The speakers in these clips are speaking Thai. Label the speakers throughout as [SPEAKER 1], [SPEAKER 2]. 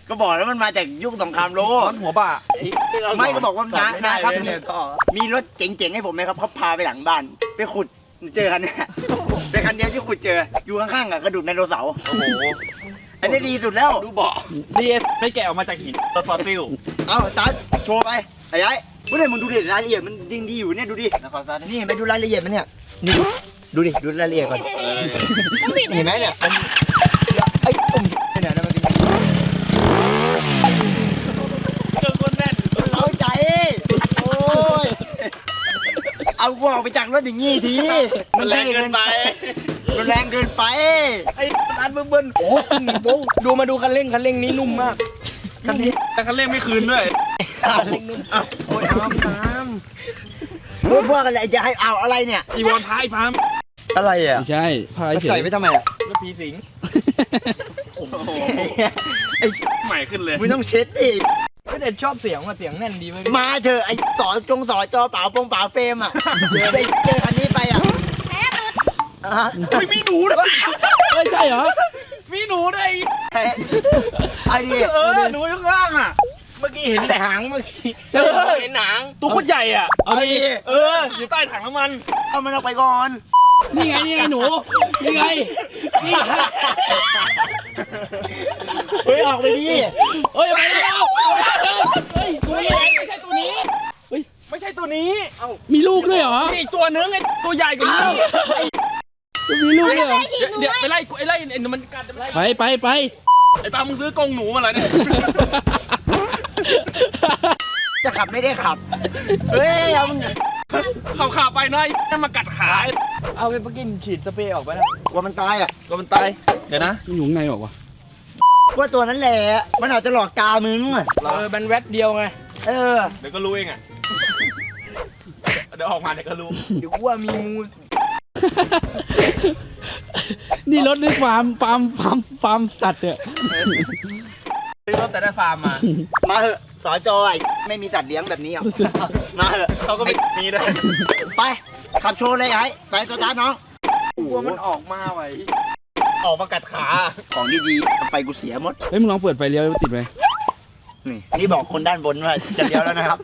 [SPEAKER 1] ก็บอกแล้วมันมาจากยุคสงครามโลก
[SPEAKER 2] รถหัวบ่า
[SPEAKER 1] ไม่ก็บอกว่านะครับมีรถเจ๋งๆให้ผมไหมครับเขาพาไปหลังบ้านไปขุดเจอคันนี้เป็นคันเดียวที่ขุดเจออยู่ข้างๆกับกระดูกไดโนเสาร์
[SPEAKER 2] โอ้โห
[SPEAKER 1] อันนี้ดีสุดแล้ว
[SPEAKER 2] ดูเบาะดีไม่แกะออกมาจากหินรถฟอสซิล
[SPEAKER 1] เอาซัดโชว์ไปไอ้ยัยเมื่อไหร่มึงดูดิรายละเอียดมันดีอยู่เนี่ยดูดิ
[SPEAKER 2] นะครซัด
[SPEAKER 1] นี่เห็นไหมดูรายละเอียดมันเนี่ยนี่ดูดิดูรายละเอียดก่อนเห็นไหมเนี่ยไอ้ตุ่มเนี่ยนะมันเป็น
[SPEAKER 2] เครื่องคนแน่น
[SPEAKER 1] เข้าใจโอ้ยเอากูออกไปจากรถอย่างงี้ที
[SPEAKER 2] มันแรงเกินไป
[SPEAKER 1] มันแรงเกินไป
[SPEAKER 3] ไอ้ร้านเบิ้ลโอ้โหดูมาดูคันเร่งนี้นุ่มมาก
[SPEAKER 2] คันนี้แต่คันเร่งไม่คืนด้วย
[SPEAKER 3] คันเร่งนุ่มอ้าวโอ้ยอ้ามตาม
[SPEAKER 1] พวกอะไรจะให้เอาอะไรเนี่ย
[SPEAKER 2] อีวอนพายพาม
[SPEAKER 1] อะไรอ่ะ
[SPEAKER 4] ใช่พายเฉ
[SPEAKER 1] ใส่
[SPEAKER 4] ย
[SPEAKER 1] ไปทำไมอ่ะ
[SPEAKER 3] รถผีสิง
[SPEAKER 2] โอ้โห
[SPEAKER 1] ไอ้
[SPEAKER 2] ใหม่ขึ้นเลย
[SPEAKER 1] มึงต้องเช็ดดิ
[SPEAKER 3] ก็แต่ชอบเสียงว่ะเสียงแน่นดีเว้ย
[SPEAKER 1] มาเถอะไอ้สอจอเปล่าเฟรมอ่ะเจอคันนี้ไปอ่ะ
[SPEAKER 2] ไม่มีหนูด้วย
[SPEAKER 4] เฮ้ยใช่เหรอ
[SPEAKER 2] มีหนูด้วย
[SPEAKER 1] ไอ้ดิ
[SPEAKER 2] หนูข้างล่างอ่ะ
[SPEAKER 3] เมื่อกี้เห็นแต่หางเมื่อกี้เห็นหาง
[SPEAKER 2] ตัวโคตรใหญ่อ่ะ
[SPEAKER 4] เอาดิ
[SPEAKER 2] อยู่ใต้ถังน้ำมัน
[SPEAKER 1] เอามันออกไปก่อน
[SPEAKER 4] นี่ไงหนูนี่ไงนี่
[SPEAKER 1] เฮ้ยออกไปดิ
[SPEAKER 4] เฮ้ยไปแล้วเฮ้ยตัวนี้ไม่ใช่ตัวนี้
[SPEAKER 2] ไม่ใช่ตัวนี้
[SPEAKER 4] มีลูกด้วยเหรอ
[SPEAKER 2] นี่อีกตัวนึงไอ้ตัวใหญ่กว่านี้
[SPEAKER 4] มีลูกด้วยเหรอ
[SPEAKER 2] เดี๋ยวไปไล่ไอ้มันกัดไป
[SPEAKER 4] ไป
[SPEAKER 2] ไอ้ปามึงซื้อกรงหนูมาเหรอเนี่ย
[SPEAKER 1] จะขับไม่ได้ขับเฮ้ยเอามึง
[SPEAKER 2] ขับไปหน่อยนั่นมากัดขา
[SPEAKER 3] เอาไปกินฉีดสเปรย์ออกไปนะ
[SPEAKER 1] กลัวมันตายอ่ะ
[SPEAKER 2] ตัวมันตายเดี๋ยวนะ
[SPEAKER 4] มันอยู่ข้างในบอกว่าว
[SPEAKER 1] ว่าตัวนั้นแหละมันอาจจะหลอกตามึง
[SPEAKER 3] มันแวบเดียวไง
[SPEAKER 1] เออ
[SPEAKER 2] เดี๋ยวก็รู้เองอ่ะเดี๋ยวออกมาเดี๋ยวก็รู้
[SPEAKER 3] เดี๋ยวว่ามีงู
[SPEAKER 4] นี่รถนี่ฟาร์มสัตว์เนี่ย
[SPEAKER 2] ซื้อรถแต่ได้ฟาร์มมา
[SPEAKER 1] มาเหอะสอจอยไม่มีสัตว์เลี้ยงแบบนี้อ่ะมาเหอะ
[SPEAKER 2] เขาก็ไม่มีด้วย
[SPEAKER 1] ไปขับโชว์เลยไอ้ไปสตาร์ทน้อง
[SPEAKER 3] กลัวมันออกมาไว้
[SPEAKER 2] ออกมากัดขา
[SPEAKER 1] ของดีๆไฟกูเสียหมด
[SPEAKER 4] เฮ้ยมึงลองเปิดไฟเลี้ยวติดไหม
[SPEAKER 1] นี่บอกคนด้านบนว่าจะเลี้ยวแล้วนะครับ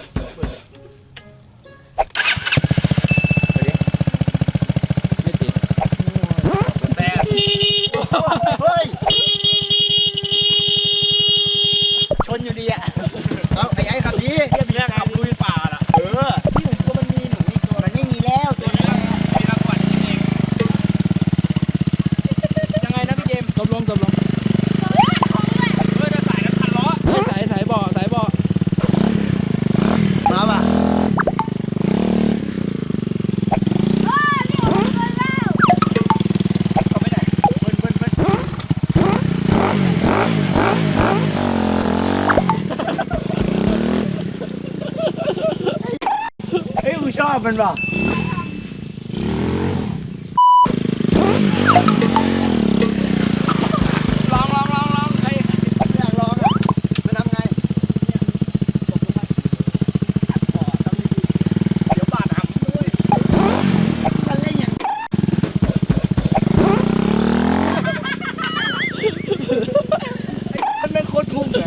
[SPEAKER 4] ไม่ติด
[SPEAKER 2] แต่
[SPEAKER 1] เฮ้ยชนอยู่ดีอ่ะเอาไอ้ขับดี
[SPEAKER 2] แรกขับลุยป่าล่ะ
[SPEAKER 1] เออ
[SPEAKER 3] ที่ผมก็มันมีหนูอีกตัว
[SPEAKER 1] มันไม่มีแล้วตัวนี้
[SPEAKER 2] มีรางวัลเอง
[SPEAKER 3] ยังไงนะพี่เจมส์
[SPEAKER 4] ตบลง
[SPEAKER 2] เพื่อจะใส่กันพันล้อ
[SPEAKER 4] สายเบาะ
[SPEAKER 1] มาป่ะเฮ้ยกูชอบมันป่ะ
[SPEAKER 3] ลองไอ้
[SPEAKER 1] ไม่อยากลองอ่ะมันทำไง
[SPEAKER 3] เดี๋ยวบาดหำเลย
[SPEAKER 1] มันเล่นอย่างมันเป็นโคตรทุ่มเลย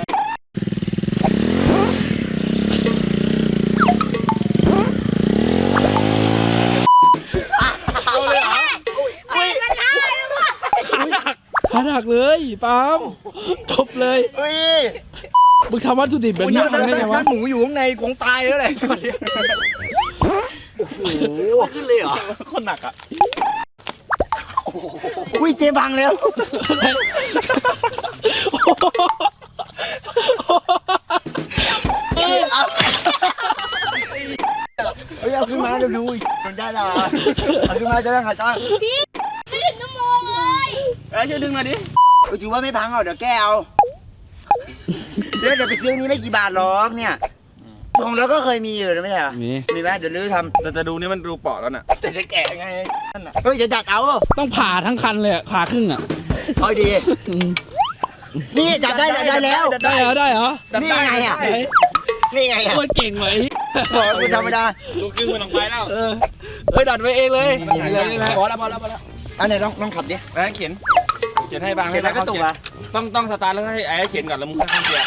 [SPEAKER 2] เอาเลยเหรอ
[SPEAKER 4] ขาหักเลยปาล์มจบเลย
[SPEAKER 1] เฮ้ย
[SPEAKER 4] มึงทำวัตถุดิบแบบนี้
[SPEAKER 3] ถ้า
[SPEAKER 4] ได้ไงวะ
[SPEAKER 3] หมูอยู่ข้างในคงตายแล้วแหละสวัสดี
[SPEAKER 1] โอ้โห
[SPEAKER 3] ขึ้นเลยเหรอ
[SPEAKER 2] คนหนักอ่ะ
[SPEAKER 1] อุ้ยเจบังแล้ว เฮ้ยเอาขึ้นมาเดี๋ยวดูอีกมันได้ละเอาขึ้นมาจะได้หาตังค์
[SPEAKER 5] ไม่ถึงชั่วโมงเลย
[SPEAKER 2] ช่วยดึงหน่อยดิ
[SPEAKER 1] ถือว่าไม่พังหรอกเดี๋ยวแกเอาเดี๋ยวไปซื้อนี้ไม่กี่บาทหรอกเนี่ยของเราก็เคยมีอยู่นะไม่ใช่เหรอ
[SPEAKER 4] นี่
[SPEAKER 1] มีไหมเดี๋ยวลื้อท
[SPEAKER 2] แต่จะดูนี่มันดูเปาะแล้วน่ะ
[SPEAKER 3] แต่จะแกะไงนั่นน่ะ
[SPEAKER 1] ำเฮ้ยจะดักเอา
[SPEAKER 4] ต้องผ่าทั้งคันเลยอะผ่าครึ่งอ่ะ
[SPEAKER 1] เอาดี
[SPEAKER 4] อืม
[SPEAKER 1] นี่ดักได้แล้ว
[SPEAKER 4] ได้เหรอ
[SPEAKER 1] นี่ไงอ่ะ
[SPEAKER 4] เฮ้ย
[SPEAKER 1] นี่ไงอ่ะ
[SPEAKER 4] โคตรเก่งเลย
[SPEAKER 1] บอกกูธรรมดา
[SPEAKER 2] ลูกครึ่งมันลงไปแล้ว
[SPEAKER 4] เฮ้ยดัดไว้เองเลย
[SPEAKER 1] นี่เลย
[SPEAKER 3] พอแล้ว
[SPEAKER 1] อันไหนลองขับดิ
[SPEAKER 2] แล้วเขียนขียนให้บาง
[SPEAKER 1] เขียนแล้วก็ตุกอ่ะ
[SPEAKER 2] ต้องสตาร์ทแล้วให้ไอ้เขียนก่อนแล้วมึงค่อยๆเขียน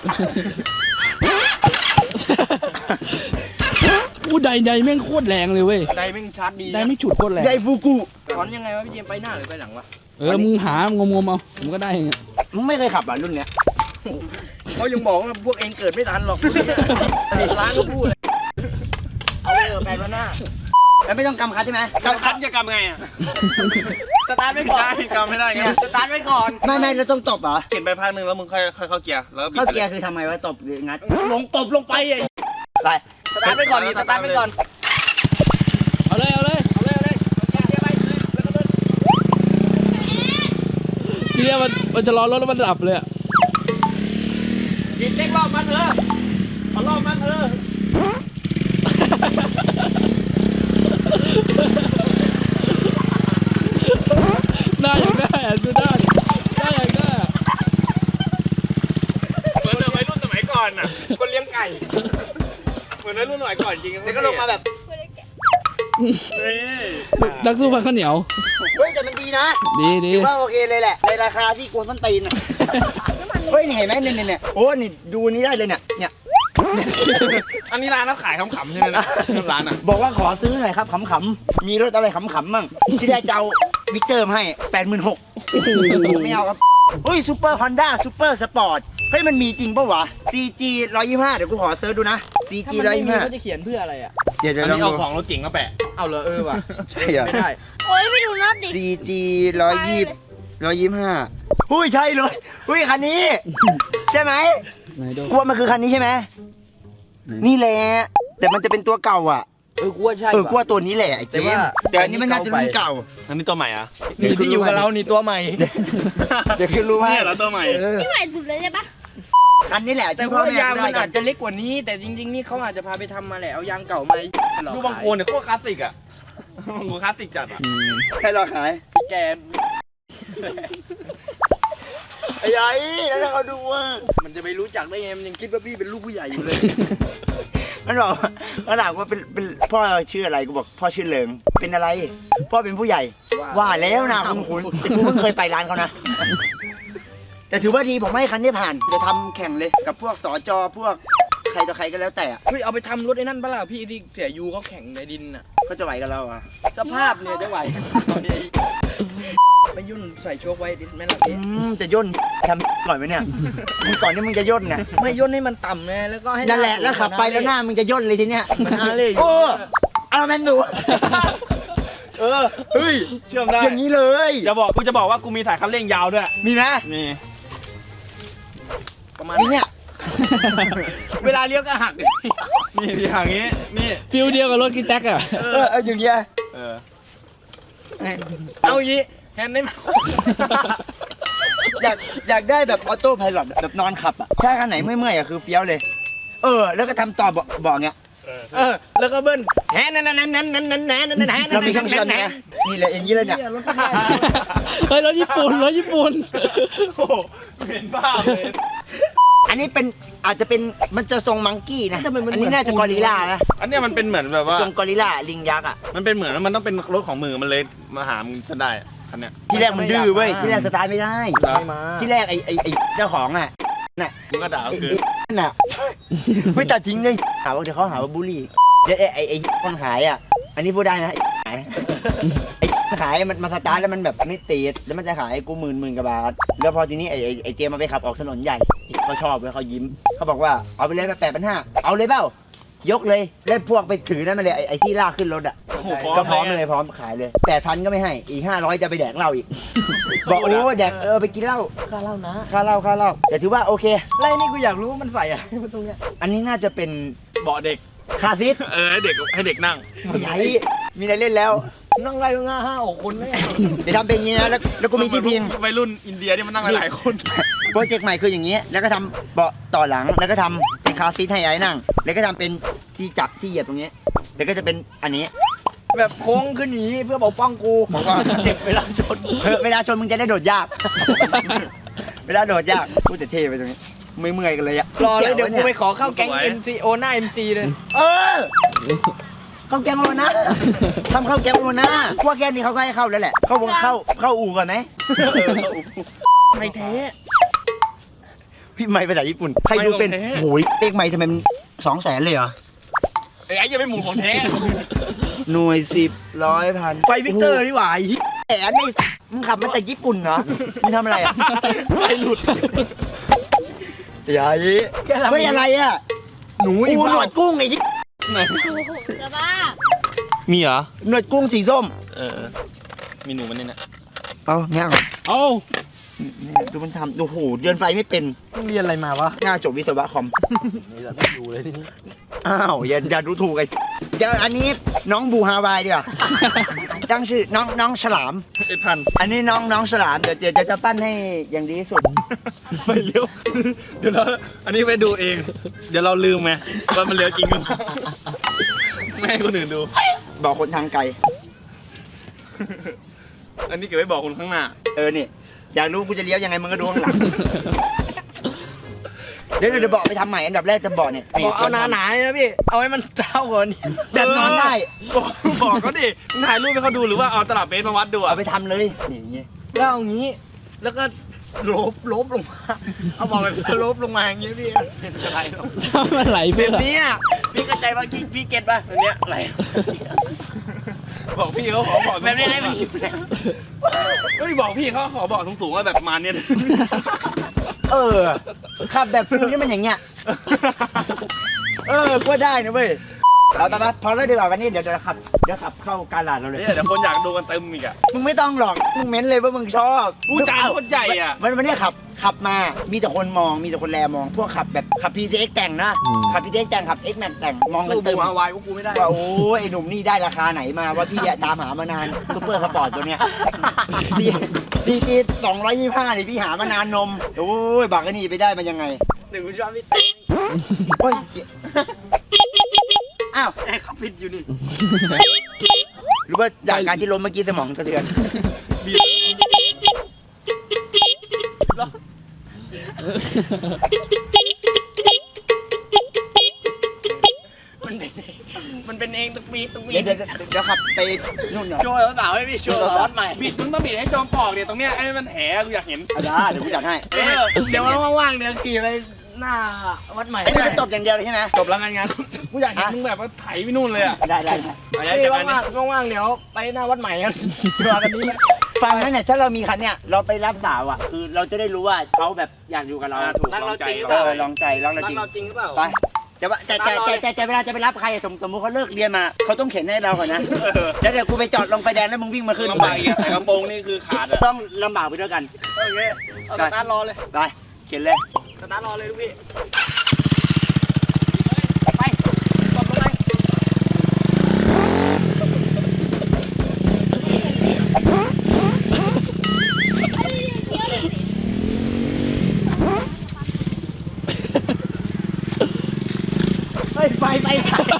[SPEAKER 4] อู้ใดแม่งโคตรแรงเลยเว้ย
[SPEAKER 3] ไดแม่งชาร์จดี
[SPEAKER 4] ใดไม่ฉุดโคตรแรง
[SPEAKER 1] ไดฟูกุ
[SPEAKER 3] ถอนยังไงวะพี่เจมส์ไปหน้าหรือไปหลังวะ
[SPEAKER 4] มึงหางมเอาผมก็ได้อย่างเงี้ย
[SPEAKER 1] มึงไม่เคยขับอ่ะรุ่นเนี้ย
[SPEAKER 3] เขายังบอกว่าพวกเองเกิดไม่ทันหรอกร้านก็พูดเลยเอาไปเถอะ8 วันหน้า
[SPEAKER 1] แล้วไม่ต้องกำคัดใช่ไหม
[SPEAKER 2] กำคัดจะกำไงอ่ะ
[SPEAKER 3] สตาร์ทไว้ก่อน
[SPEAKER 2] กำไม่ได้ไง
[SPEAKER 3] สตาร์ทไว้ก่อน
[SPEAKER 1] ไม่แล้วต้องตบเหรอ
[SPEAKER 2] เขียนไปพักนึงแล้วมึงค่อยเข้าเกียร์แล้วบิด
[SPEAKER 1] เข้าเกียร์คือทำไงวะตบหรืองัด
[SPEAKER 3] ลงตบลงไปไอ้
[SPEAKER 1] ไป
[SPEAKER 3] สตาร์ทไว้ก่อนนี่สตาร์ทไว้ก่อน
[SPEAKER 4] เอาเลย
[SPEAKER 3] เอาเลยเอาเกียร์ไปแล้วก็เดิน
[SPEAKER 4] ทีเนี้ยมันจะรอรถแล้วมันดับเลยอะ
[SPEAKER 2] กินเล็กรอบมันเถอะเอารอบมันเถอะ
[SPEAKER 4] ได้อย่างได้อะดูได้อย่างได้อะ
[SPEAKER 2] เหมือนวัยรุ่นสมัยก่อนน่ะคนเลี้ยงไก่เหมือนวัยรุ่นสมัยก่อนจริง
[SPEAKER 1] แล้วก็ลงมาแบบ
[SPEAKER 4] นักสู้พันข้าวเหนียว
[SPEAKER 1] เฮ้ยแต่มันดีนะ
[SPEAKER 4] ดี
[SPEAKER 1] ถือว่าโอเคเลยแหละในราคาที่กวนส้นตีนอ่ะเฮ้ยนี่เห็นไหมเนี่ยโอ้นี่ดูนี้ได้เลยเนี่ย
[SPEAKER 2] อันนี้ร้านเขาขายขำๆใช่ไหมนะร้านอ่ะ
[SPEAKER 1] บอกว่าขอซื้อหน่อยครับขำๆมีรถอะไรขำๆมั่งที่ได้เจ้าวิกเตอร์มาให้ 86,000ไม่เอาครับเฮ้ยซูเปอร์ฮอนด้าซูเปอร์สปอร์ตเฮ้ยมันมีจริงปะวะ CG 125เดี๋ยวกูขอเซิร์ชดูนะ CG
[SPEAKER 3] ถ้ามันไม่มีเขา
[SPEAKER 1] 125
[SPEAKER 3] จะเขียนเพื่ออะไรอ่ะ
[SPEAKER 1] เดี๋ยวจะ
[SPEAKER 2] อัน
[SPEAKER 1] ลอง
[SPEAKER 2] นี้เอา
[SPEAKER 1] ดู
[SPEAKER 2] ของรถเก๋งมาแปะ
[SPEAKER 3] เอาเหรอว่ะ
[SPEAKER 1] ใช่เหรอ
[SPEAKER 3] ไม่ได้
[SPEAKER 5] โอ้ยไม่ดูน็อตดิ
[SPEAKER 1] CG 125หุ้ยใช่เลยหุ้ยคันนี้ ใช่ไหม
[SPEAKER 4] ไหนดู
[SPEAKER 1] กลัวมันคือคันนี้ใช่ไหมนี่แหละแต่มันจะเป็นตัวเก่าอ่ะ
[SPEAKER 3] กูว่าใช่
[SPEAKER 1] กลัวตัวนี้แหละไอ้เจ
[SPEAKER 3] แต่ว่า
[SPEAKER 1] มส์แต่อันนี้มันน่าจะรุ่นเก่า
[SPEAKER 2] อันนี้ตัวใหม่อ่ะ
[SPEAKER 3] นี่ที่อยู่กับเรานี่ตัวใหม่
[SPEAKER 1] เดี๋ยวคือรู้ว่า
[SPEAKER 2] เนี่ยเหรอตัวใหม่
[SPEAKER 5] พี่ใหม่สุดเลยใช่ปะ
[SPEAKER 1] คันนี้แหละ
[SPEAKER 3] แต่
[SPEAKER 1] ที่พ่อ
[SPEAKER 3] ว่า
[SPEAKER 1] แม่
[SPEAKER 3] ยางมัน
[SPEAKER 1] ได้กั
[SPEAKER 3] อาจจะเล็กกว่านี้ แต่จริงๆนี่เขาอาจจะพาไปทำมาแหละเอายางเก่ามาหลอก
[SPEAKER 2] ดูบางโคนเนี่ยโคตรคลาสสิกอ่ะบางโคนคลาสสิกจัดอ่ะ
[SPEAKER 1] ให้เราขาย
[SPEAKER 3] แก
[SPEAKER 1] ไอ้ยัยแล้วถ้าเขาดูว่า
[SPEAKER 3] มันจะไปรู้จักได้ไงมันยังคิดว่าพี่เป็นลูกผู้ใหญ่อยู่เลย
[SPEAKER 1] มันบอกมันถามว่าเป็นพ่อชื่ออะไรกูบอกพ่อชื่อเลิงเป็นอะไร พ่อเป็นผู้ใหญ่ ว่าแล้วนะคุณแต่กูเพิ่งเคยไปร้านเขานะ แต่ถือว่าดีผมให้คันนี้ผ่านจะทำแข่งเลยกับพวกสจพวกใครต่อใครก็แล้วแต่อะ
[SPEAKER 3] เฮ้ยเอาไปทำรถไอ้นั่นปะล่ะพี่ที่เสียยูเขาแข่งในดินน่ะ
[SPEAKER 1] เขาจะไหวกับเราอ่ะ
[SPEAKER 3] สภาพเนี่ยจะไหวไปยุ่นใส่โชคไว้ดิแม่ล่ะพี่
[SPEAKER 1] จะย่นทำก่อนไหมเนี่ยมึงก่อนที่มึงจะย่นน่ะ
[SPEAKER 3] ไม่ย่นให้มันต่ำไงแล้วก็ให้
[SPEAKER 1] นั่นแหละแล้วขับไปแล้วหน้ามึงจะย่นเลยทีเนี้ย
[SPEAKER 3] มันอาเล่อยู่
[SPEAKER 1] โอ้เอาแมนดู
[SPEAKER 2] เฮ้ยเชื่อมได้
[SPEAKER 1] อย่างนี้เลย
[SPEAKER 2] กูจะบอกว่ากูมีสายคันเร่งยาวด้วย
[SPEAKER 1] มีไหม
[SPEAKER 2] นี่
[SPEAKER 3] ประมาณ
[SPEAKER 1] นี่เนี่ย
[SPEAKER 3] เวลาเลี้ยวก็หัก
[SPEAKER 2] นี่ที่ทางนี้นี่
[SPEAKER 4] ฟิลเดียวกับรถกีแท็กอะ
[SPEAKER 1] อย่างเงี้ย
[SPEAKER 2] เออ
[SPEAKER 3] เอาอย่างนี้แฮนด์ได้ไหม
[SPEAKER 1] อยากได้แบบออโต้ไพลอตแบบนอนขับอ่ะถ้าคันไหนเมื่อยๆอ่ะคือเฟี้ยวเลย แล้วก็ทำต่อบอกเงี้ย
[SPEAKER 3] แล้วก็เบิ้ลแฮนด์นั่น
[SPEAKER 1] เรามีเครื่องเชื่อมนะนี่เลยอย่างนี้เลยเนี่ย
[SPEAKER 4] เฮ้ยรถญี่ปุ่น
[SPEAKER 2] โอ้โหเห็นภาพเลย
[SPEAKER 1] อันนี้เป็นอาจจะเป็นมันจะทรงมังกี้นะอันนี้น่าจะกอริลล่านะ
[SPEAKER 2] อันเนี้ยมันเป็นเหมือนแบบว่า
[SPEAKER 1] ทรงกอริลล่าลิงยักษ์อ่ะ
[SPEAKER 2] มันเป็นเหมือนมันต้องเป็นรถของมือมันเลยมาหามึงจนได้อะคันเนี้ย
[SPEAKER 1] ที่แรกมันดื้อเว้ยที่แรกสตาร์ทไม่ได้
[SPEAKER 3] ไม่มา
[SPEAKER 1] ที่แรกไอ้เจ้าของอ่ะน่ะ
[SPEAKER 2] มึงก็ด่า
[SPEAKER 1] ไอ้
[SPEAKER 2] คือ
[SPEAKER 1] นั่นน่ะไม่ตัดทิ้งเลยหาว่าเดี๋ยวเขาหาว่าบูลลี่เดี๋ยวไอ้คนขายอ่ะอันนี้พูดได้นะไอ้ขายมันมาสตาร์ทแล้วมันแบบไม่ติดแล้วมันจะขายกูหมื่นกว่าบาทแล้วพอทีนี้ไอ้เจมมาไปขับออกถนนใหญ่เขาชอบเลยเขายิ้มเขาบอกว่าเอาไปเลย8,500เอาเลยเปล่ายกเลยแล้วพวกไปถือนั่นมาเลยไอ้ที่ลากขึ้นรถอ่ะ
[SPEAKER 2] โอ้โห
[SPEAKER 1] ก็พร้อมเลยพร้อมขายเลย 8,000ก็ไม่ให้อีก500จะไปแดกเหล้าอีกบอกโอ้แดกไปกินเหล้า
[SPEAKER 3] ค่าเหล้านะ
[SPEAKER 1] ค่าเหล้าแต่ถือว่าโอเค
[SPEAKER 3] แล้วนี่กูอยากรู้ว่ามันใส่อะไรตรงเนี้ย
[SPEAKER 1] อันนี้น่าจะเป็น
[SPEAKER 2] เบาะเด็ก
[SPEAKER 1] คาซิส
[SPEAKER 2] ให้เด็กนั่ง
[SPEAKER 1] ใหญ่มีอะไรเล่นแล้ว
[SPEAKER 3] นั่งไล่ง่า5-6 คนเลย
[SPEAKER 1] เดี๋ยวทำเป็นอย่างนี้นะแล้วก็มีที่พิง
[SPEAKER 2] วัยรุ่นอินเดียที่มันนั่งหลายๆคน
[SPEAKER 1] โปรเจกต์ใหม่คืออย่างนี้ แล้วก็ทำเบาะต่อหลังแล้วก็ทำเป็นคาร์ซีทให้ไอ้นั่ง แล้วก็ทำเป็นที่จับที่เหยียบตรงนี้ แล้วก็จะเป็นอันนี้
[SPEAKER 3] แบบโค้งขึ้นหนีเพื่อปกป้องกู
[SPEAKER 1] ผมก็
[SPEAKER 3] เจ็บเวลาชน
[SPEAKER 1] เวลาชนมึงจะได้โดดยาก เวลาโดดยากพูดแต่เท่ไปตรงนี้เมื่อยๆกันเลยอะ
[SPEAKER 3] รอเลยเดี๋ยวกูไปขอเข้าแก๊ง NC โอหน้า MC เลย
[SPEAKER 1] เออ เขเข้าแก๊งโอนะทำเข้าแก๊งโอนะพวกแก๊งนี้เขาก็ให้เข้าแล้วแหละเข้าวงเข้าอู่ก่อนไหม
[SPEAKER 3] ไม่แท้
[SPEAKER 1] พี่ไม่ไปไหนญี่ปุ่นใครดูเป็น
[SPEAKER 3] ไม่ของแท้
[SPEAKER 1] โหยเลขไม่ทำไมมัน200,000เลยเหรอ
[SPEAKER 2] ไอ้ยังไม่หมุนของแท้
[SPEAKER 1] หน่วย10 100 พัน
[SPEAKER 3] ไฟวิกเตอร์นี่หว่า
[SPEAKER 1] แหมนี่มึงขับมาจากญี่ปุ่นเหรอมึงทำอะไรอ่ะ
[SPEAKER 3] ไฟหลุด
[SPEAKER 1] อย่ายี้ไม่อะไรอ่ะ
[SPEAKER 3] หนู
[SPEAKER 1] อูหนวดกุ้งไอ้ยี่
[SPEAKER 4] ไหน
[SPEAKER 5] โอ้โหจะบ้า
[SPEAKER 4] มีเหรอ
[SPEAKER 1] หนวดกุ้งสีส้ม
[SPEAKER 4] มีหนูมันเนี่ยนะ
[SPEAKER 1] เอาเนี่ย
[SPEAKER 4] เอ้า
[SPEAKER 1] ดูมันทำโอ้โหเดินไฟไม่เป็น
[SPEAKER 3] ต้องเรียนอะไรมาวะ
[SPEAKER 1] ง่าจบวิศวะคอม
[SPEAKER 3] นี่เราไม่อยู่เลยทีนี้
[SPEAKER 1] อ้าวอย่าดูถูกไอ้เดี๋ยวอันนี้น้องบูฮาวายดีกว่าตั้งชื่อน้องฉลาม
[SPEAKER 2] 1,000
[SPEAKER 1] อันนี้น้องฉลามเดี๋ยวจะปั้นให้อย่างดีที่สุด
[SPEAKER 2] ไปเลี้ยวเดี๋ยวเราอันนี้ไปดูเอง เดี๋ยวเราลืมไงว่ามันเลี้ยวจริงมั้ยไม่ให้คนอื่นดู
[SPEAKER 1] บอกคนทางไกล
[SPEAKER 2] อันนี้เก็บไว้บอกคนข้างหน้า
[SPEAKER 1] นี่อยากรู้กูจะเลี้ยวยังไงมึงก็ดูข้างหลังเดี๋ยวบอกไปทำใหม่อันดับแรกจะบอกเนี่ย
[SPEAKER 3] บอกเอาหนาๆนะพี่ เอาให้มันเจ้ากว่านี้
[SPEAKER 1] แบบนอนได้
[SPEAKER 2] บอกเขาดิมึงถ่ายรูปให้เขาดูหรือว่าเอาตลับเบสมาวัดดู
[SPEAKER 1] เอา
[SPEAKER 2] อ่ะ
[SPEAKER 1] ไปทำเลยนี่อย่างเงี้ย
[SPEAKER 3] แล้วเอางี้ แล้วก็ลบลงมา เอาบอกแบบลบลงมาอย่างงี้พี่เป็นอะไรหรอก
[SPEAKER 4] มันไหลไป
[SPEAKER 3] แบบ
[SPEAKER 4] เหรอ
[SPEAKER 3] นี้อะพี่เข้าใจว่าพี่เก็ตป่ะแบบเนี้ยอะไร
[SPEAKER 2] บอกพี่เขาขอบอก
[SPEAKER 3] แบบนี้ให้มันอยู่แหละ
[SPEAKER 2] ก็บอกพี่เขาขอบอกสูงๆว่าแบบประมาณเนี้ย
[SPEAKER 1] ขับแบบฟิลนี่มันอย่างเงี้ยก็ได้นะเว้ยเราตอนนั้นพอแล้วดีกว่าวันนี้เดี๋ยวขับเข้าการลาดเราเลย
[SPEAKER 2] เนี่ยเดี๋ยวคนอยากดูกันเต็มอีกอ่ะ
[SPEAKER 1] มึงไม่ต้องหรอกมึงเม้นเลยว่ามึงชอบ
[SPEAKER 2] กูจานคนใหญ่อะ
[SPEAKER 1] วันนี้ขับมามีแต่คนมองมีแต่คนแลมองพวกขับแบบขับ PTX แต่งนะขับ PTX แต่งขับ X Max แต่งมองกัน
[SPEAKER 3] สู้
[SPEAKER 1] เต็
[SPEAKER 3] บู
[SPEAKER 1] ม
[SPEAKER 3] ฮาวายพวกกูไม่ได้
[SPEAKER 1] ว่าโอ้ยไอ้หนุ่มนี่ได้ราคาไหนมาว่าพี่อะตามหามานานซูเปอร์สปอร์ตตัวเนี้ยพี่225นี่พี่หามานานนมโอ้ยบักไอ้นี่ไปได้มันยังไง
[SPEAKER 3] หนึ่งกูชอบพี่
[SPEAKER 1] โอ้ยอ้าว
[SPEAKER 3] แอร์เขาฟิตอยู่นี่
[SPEAKER 1] หรือว่าจากการที่ล้มเมื่อกี้สมองสะเทือน
[SPEAKER 3] มันเป็นเองตุกมี
[SPEAKER 1] เดี๋ยวขับไปนู่นหน่อย
[SPEAKER 3] โชว์สาวๆให้พี่โชว์สาวใหม่
[SPEAKER 2] บิดมึงต้องบิดให้จอมปอกเนี่ยตรงเนี้ยไอ้มันแถกูอยากเห็น
[SPEAKER 1] ได้เดี๋ยวกูจัดให้
[SPEAKER 3] เดี๋ยวว่างๆเดี๋ยวขี่ไปหน้าวัดใหม่
[SPEAKER 1] ไอ้นี่เป็นตบอย่างเดียวเลยใช่ไหม
[SPEAKER 2] จบแล้วงานกูอยากเห็นมึงแบบว่าไถไปนู่นเลยอ่ะ
[SPEAKER 1] ได้
[SPEAKER 3] พี่ว่างๆเดี๋ยวไปหน้าวัดใหม่กันมากันนี้นะ
[SPEAKER 1] ฟังนั้นเนี่ยถ้าเรามีคันเนี่ยเราไปรับสาวอ่ะคือเราจะได้รู้ว่าเขาแบบอยากอยู่กับเรา
[SPEAKER 2] ถูก
[SPEAKER 3] รัก
[SPEAKER 2] ลอ
[SPEAKER 3] เรา
[SPEAKER 2] งใจ
[SPEAKER 3] จริงหรือ
[SPEAKER 1] เอ
[SPEAKER 3] เปล่า
[SPEAKER 1] อลองใจลองเรา
[SPEAKER 3] รั
[SPEAKER 1] จ
[SPEAKER 3] ก
[SPEAKER 1] ริง
[SPEAKER 3] เราจริงหรือเปล่า
[SPEAKER 1] ไปแต่เวลาจะไปรับใครสมมติเขาเลิกเรียนมาเขาต้องเข็นให้เราก่อนนะแล้วเดี๋ยวกูไปจอดลงไฟแดงแล้วมึงวิ่งมาขึ้น
[SPEAKER 2] ลำบากอีกอะใส่กระโปรงนี่คือขาดอ่ะ
[SPEAKER 1] ต้องลำบากไปด้วยกัน
[SPEAKER 3] โอเคเอาสตาร์ทรอเลย
[SPEAKER 1] ไปเข็นเลย
[SPEAKER 3] สตาร์ทรอเลยลูกพี่
[SPEAKER 1] ไปตบลงไปเฮ้ยไฟ
[SPEAKER 4] ไป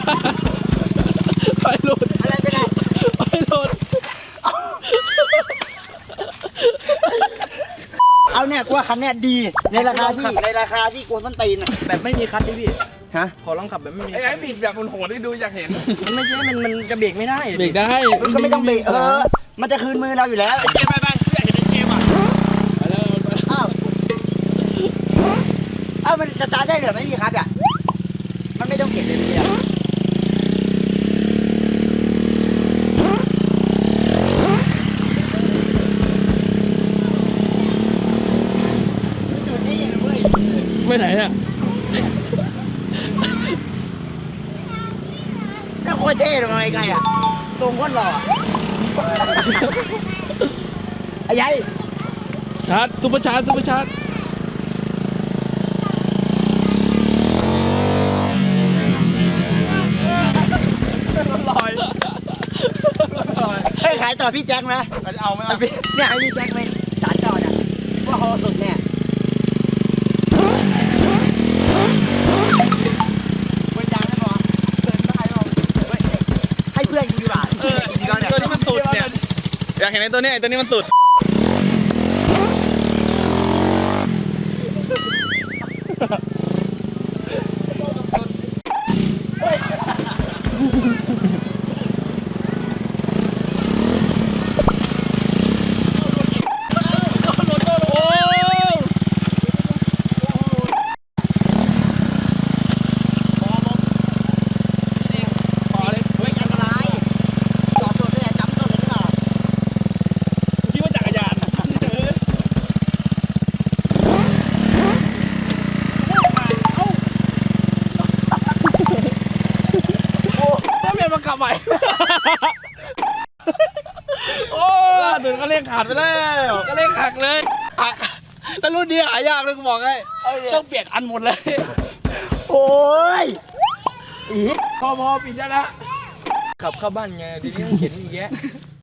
[SPEAKER 4] หลุด
[SPEAKER 1] อะไรไปไหน
[SPEAKER 4] ไปหลุด
[SPEAKER 1] เอาเนี่ยกูว่าคันเนี่ยดีในราคาที่กูส้นตีนอะ
[SPEAKER 3] แบบไม่มีคัทดิพี่
[SPEAKER 1] ฮะ
[SPEAKER 3] ขอลองขับแบบไม่มี
[SPEAKER 2] ไอ้ไอ้บิดแบบโหดๆให้ดูอยากเห็น
[SPEAKER 3] มันไม่ใช่มันจะเบรกไม่ได้
[SPEAKER 4] เบรกได้
[SPEAKER 1] มันก็ไม่ต้องเบรกมันจะคืนมือเราอยู่แล้ว
[SPEAKER 2] เกมไปอยากเห็นในเกมอ่ะ
[SPEAKER 4] ไปแล้ว
[SPEAKER 1] อ้าวมันจะตาร์ทได้เหรอไม่มีคัทอ่ะมันไม่ต้องเก็บเลยเนี่ยจุดนี้เว้ย
[SPEAKER 4] ไปไหนอ่ะ
[SPEAKER 1] น่าโคตรเท่เลยไงไงอ่ะตรงโคตรหล่อไอ้ยัย
[SPEAKER 4] ชาร์จซุปเปอร์ชาร์จ
[SPEAKER 1] ให้ขายต่อพี่แจ็คไหม
[SPEAKER 2] เอาไหมเอา
[SPEAKER 1] เนี่ยให้พี่แจ็คไหมสารจอดอ่ะว่าเขาสุดเนี่ยเว้ยดังนะหมอเกินได้หรอให้เพื่อนกูดีกว่า
[SPEAKER 2] ตัวนี้มันสุดเนี่ยอยากเห็นไอ้ตัวนี้ไอ้ตัวนี้มันสุด
[SPEAKER 3] ใหม่
[SPEAKER 2] โอ้ถึงก็เรียกขาดไปแล้ว
[SPEAKER 3] ก็เล่นหักเลยหักแต่รุ่นนี้หายากเลยกูบอกให้ต้องเปลี่ยนอันหมดเลย
[SPEAKER 1] โอ้ย
[SPEAKER 3] พอปิดได้ละขับเข้าบ้านไงทีนี้เข็นอีกแยะ